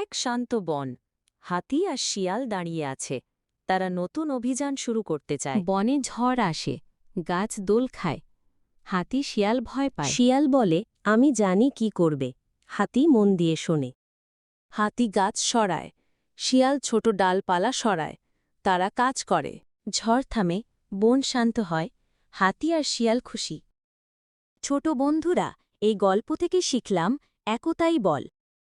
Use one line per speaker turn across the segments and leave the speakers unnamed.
এক শান্ত বন। হাতি আর শিয়াল দাঁড়িয়ে আছে। তারা নতুন অভিযান শুরু করতে চায়।
বনে ঝড় আসে, গাছ দোল খায়। হাতি শিয়াল ভয় পায়।
শিয়াল বলে, আমি জানি কি করবে। হাতি মন দিয়ে শোনে।
হাতি গাছ সরায়, শিয়াল ছোট ডালপালা সরায়। তারা কাজ করে। ঝড় থামে, বন শান্ত হয়। হাতি আর শিয়াল খুশি। ছোট বন্ধুরা, এই গল্প থেকে শিখলাম একতাই বল।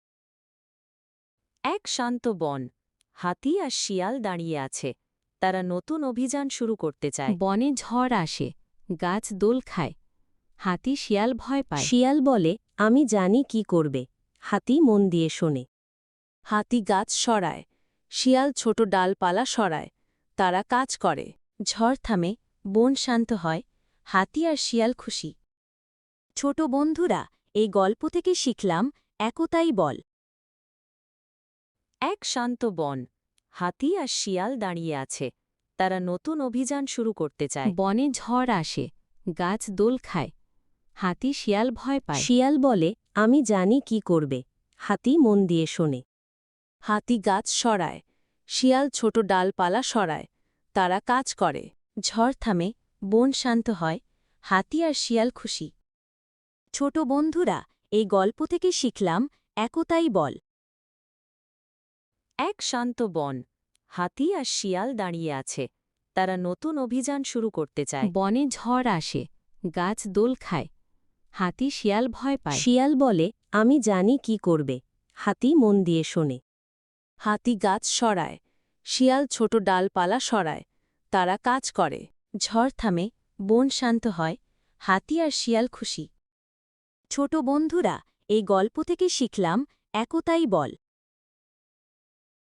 এক শান্ত বন। হাতি আর শিয়াল দাঁড়িয়ে আছে। তারা নতুন অভিযান শুরু করতে চায়।
বনে ঝড় আসে, গাছ দোল খায়। হাতি শিয়াল ভয় পায়।
শিয়াল বলে, আমি জানি কি করবে। হাতি মন দিয়ে শোনে।
হাতি গাছ সরায়, শিয়াল ছোট ডালপালা সরায়। তারা কাজ করে। ঝড় থামে, বন শান্ত হয়। হাতি আর শিয়াল খুশি। ছোট বন্ধুরা, এই গল্প থেকে শিখলাম একতাই বল। এক শান্ত বন। হাতি আর শিয়াল দাঁড়িয়ে আছে। তারা নতুন অভিযান শুরু করতে চায়।
বনে ঝড় আসে, গাছ দোল খায়। হাতি শিয়াল ভয় পায়।
শিয়াল বলে, আমি জানি কি করবে। হাতি মন দিয়ে শোনে।
হাতি গাছ সরায়, শিয়াল ছোট ডালপালা সরায়। তারা কাজ করে। ঝড় থামে, বন শান্ত হয়। হাতি আর শিয়াল খুশি। ছোট বন্ধুরা, এই গল্প থেকে শিখলাম একতাই বল। এক শান্ত বন। হাতি আর শিয়াল দাঁড়িয়ে আছে। তারা নতুন অভিযান শুরু করতে চায়।
বনে ঝড় আসে, গাছ দোল খায়। হাতি শিয়াল ভয় পায়।
শিয়াল বলে, আমি জানি কি করবে। হাতি মন দিয়ে শোনে।
হাতি গাছ সরায়, শিয়াল ছোট ডালপালা সরায়। তারা কাজ করে। ঝড় থামে, বন শান্ত হয়। হাতি আর শিয়াল খুশি। ছোট বন্ধুরা, এই গল্প থেকে শিখলাম একতাই বল।